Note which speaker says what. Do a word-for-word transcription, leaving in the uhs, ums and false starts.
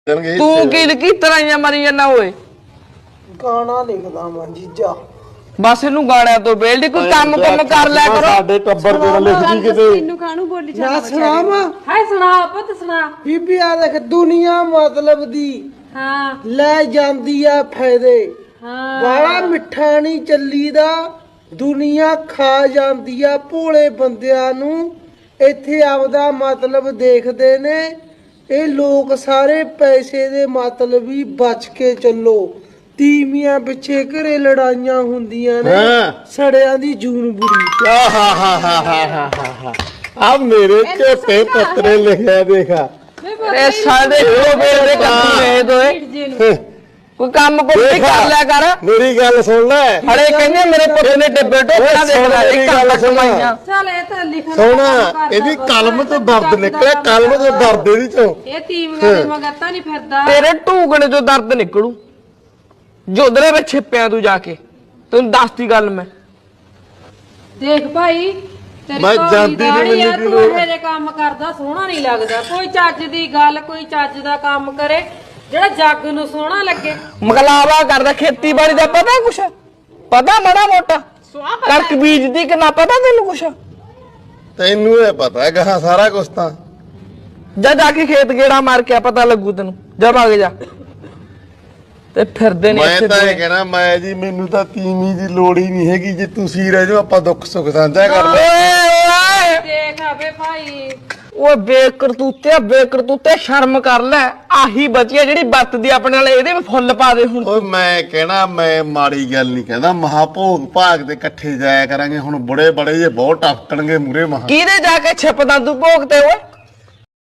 Speaker 1: ਤੂੰ ਕੀ ਲਿਖੀ ਤਰਾਈਆਂ ਮਾਰੀ ਜਾਂਦਾ ਓਏ
Speaker 2: ਗਾਣਾ ਲਿਖਦਾ ਮੈਂ ਜੀਜਾ
Speaker 1: ਬਸ ਇਹਨੂੰ ਗਾਣਿਆਂ ਤੋਂ ਬੇਲਦੀ ਕੋਈ ਕੰਮ ਕੰਮ ਕਰ ਲਿਆ ਕਰੋ
Speaker 3: ਸਾਡੇ ਟੱਬਰ ਦੇ ਨਾਲ ਲਿਖਦੀ ਕਿਤੇ
Speaker 4: ਤੈਨੂੰ ਕਾਹਨੂੰ ਬੋਲੀ
Speaker 2: ਨਾ
Speaker 4: ਜਾਂਦਾ
Speaker 2: ਸੁਣਾਵਾਂ
Speaker 4: ਹਾਏ ਸੁਣਾ ਪੁੱਤ ਸੁਣਾ
Speaker 2: ਬੀਬੀ ਆ ਦੇਖ ਦੁਨੀਆ ਮਤਲਬ ਦੀ
Speaker 4: ਹਾਂ
Speaker 2: ਲੈ ਜਾਂਦੀ ਆ ਫਾਇਦੇ
Speaker 4: ਹਾਂ
Speaker 2: ਬਾਲਾ ਮਿੱਠਾ ਨਹੀਂ ਚੱਲੀਦਾ ਦੁਨੀਆ ਖਾ ਜਾਂਦੀ ਆ ਭੋਲੇ ਬੰਦਿਆਂ ਨੂੰ ਇੱਥੇ ਆਪਦਾ ਮਤਲਬ ਦੇਖਦੇ ਨੇ ਇਹ ਲੋਕ ਸਾਰੇ ਪੈਸੇ ਦੇ ਮਤਲਬ ਹੀ ਬਚ ਕੇ ਚੱਲੋ ਤੀਵੀਆਂ ਪਿੱਛੇ ਘਰੇ ਲੜਾਈਆਂ ਹੁੰਦੀਆਂ ਨੇ ਸੜਿਆਂ ਦੀ ਜੂਨ ਬੁਰੀ
Speaker 3: ਆ ਮੇਰੇ ਝੋਟੇ ਪੱਤਰੇ ਲਿਖਿਆ ਦੇਖਾ
Speaker 1: ਇਹ ਸਾਡੇ ਕੋ ਬੇਲਦੇ ਕੱਦੂ ਨੇ ਦੋਏ ਕੋਈ ਕੰਮ ਕੋਈ ਕਰ ਲਿਆ ਕਰ
Speaker 3: ਮੇਰੀ ਗੱਲ ਸੁਣ ਲੈ
Speaker 1: ਹੜੇ ਕਹਿੰਦੇ ਮੇਰੇ ਪੁੱਤ ਨੇ ਡੱਬੇ ਟੋਕਰਾ ਦੇਖ ਲੈ ਇੱਕ ਗੱਲ ਸੁਣਾਈਆਂ
Speaker 4: ਚੱਲ ਇਹ ਤਾਂ ਲਿਖਣ
Speaker 3: ਸੋਹਣਾ ਇਹਦੀ ਕਲਮ ਤੋਂ ਦਰਦ ਨਿਕਲਿਆ ਕਲਮ ਤੋਂ ਦਰਦ ਇਹਦੀ ਚੋਂ
Speaker 4: ਇਹ ਤੀਵੀਆਂ ਦੇ ਮਗਰਤਾ ਨਹੀਂ ਫਿਰਦਾ
Speaker 1: ਤੇਰੇ ਢੂਕਣੇ ਤੋਂ ਦਰਦ ਨਿਕਲੂ ਜੋਦਰੇ ਵਿੱਚ ਛਿਪਿਆ ਤੂੰ ਜਾ ਕੇ ਤੈਨੂੰ ਦੱਸਤੀ ਗੱਲ ਮੈਂ
Speaker 4: ਦੇਖ ਭਾਈ ਤੇਰੀ
Speaker 3: ਮੈਂ
Speaker 4: ਘੋੜੀ
Speaker 3: ਜਾਂਦੀ ਨੀ
Speaker 4: ਦਾੜੀ ਆ,
Speaker 3: ਮੈਨੂੰ
Speaker 4: ਤੂੰ
Speaker 3: ਕੀ
Speaker 4: ਇਹੋ ਜਿਹੇ ਕੰਮ ਕਰਦਾ ਸੋਹਣਾ ਨਹੀਂ ਲੱਗਦਾ ਕੋਈ ਚੱਜ ਦੀ ਗੱਲ ਕੋਈ ਚੱਜ ਦਾ ਕੰਮ ਕਰੇ ਜਿਹੜਾ ਜੱਗ ਨੂੰ ਸੋਹਣਾ ਲੱਗੇ
Speaker 1: ਮਗਲਾਵਾ ਕਰਦਾ ਖੇਤੀਬਾੜੀ ਦਾ ਪਤਾ ਕੁਛ ਪਤਾ ਮਾੜਾ ਮੋਟਾ ਕਣਕ ਬੀਜਦੀ ਕਿ ਨਾ ਪਤਾ ਤੈਨੂੰ ਕੁਛ
Speaker 3: ਤੈਨੂੰ ਇਹ ਪਤਾ ਹੈਗਾ ਸਾਰਾ ਕੁਝ ਤਾਂ
Speaker 1: ਜਾ ਜਾ ਕੇ ਖੇਤ ਗੇੜਾ ਮਾਰ ਕੇ ਆ ਪਤਾ ਲੱਗੂ ਤੈਨੂੰ ਜਾ ਭਾਗ ਜਾ ਤੇ ਫਿਰਦੇ ਨੇ
Speaker 3: ਮੈਂ
Speaker 1: ਇੱਥੇ
Speaker 3: ਤਾਂ ਇਹ
Speaker 1: ਦੋਵੇਂ।
Speaker 3: ਕਹਿਣਾ ਮੈਂ ਜੀ ਮੈਨੂੰ ਤਾਂ ਤੀਵੀਂ ਦੀ ਲੋੜ ਹੀ ਨਹੀਂ ਹੈਗੀ ਜੇ ਤੁਸੀਂ ਰਹਿ ਜਾਓ ਆਪਾਂ ਦੁੱਖ ਸੁੱਖ ਸਾਂਝਾ ਕਰ ਲੈ
Speaker 1: ਓਏ ਓਏ
Speaker 4: ਦੇਖ ਆਵੇ ਭਾਈ
Speaker 1: ਓਏ ਬੇਕਰਤੂਤੇ ਬੇਕਰਤੂਤੇ ਸ਼ਰਮ ਕਰ ਲੈ ਆਹੀ ਬਚੀਆ ਜਿਹੜੀ ਵਰਤਦੀ ਆਪਣੇ ਨਾਲ ਇਹਦੇ ਵੀ ਫੁੱਲ ਪਾ ਦੇ ਹੁਣ
Speaker 3: ਓਏ ਮੈਂ ਕਹਿਣਾ ਮੈਂ ਮਾੜੀ ਗੱਲ ਨਹੀਂ ਕਹਿੰਦਾ ਮਹਾ ਭੋਗ ਭਾਗ ਦੇ ਇਕੱਠੇ ਜਾਇਆ ਕਰਾਂਗੇ ਹੁਣ ਬੁੜੇ ਬੜੇ ਜੇ ਬਹੁਤ ਟਪਕਣਗੇ ਮੂਰੇ ਮਹਾ
Speaker 1: ਕਿਹਦੇ ਜਾ ਕੇ ਛਿਪਦਾ ਤੂੰ ਭੋਗ ਤੇ ਓਏ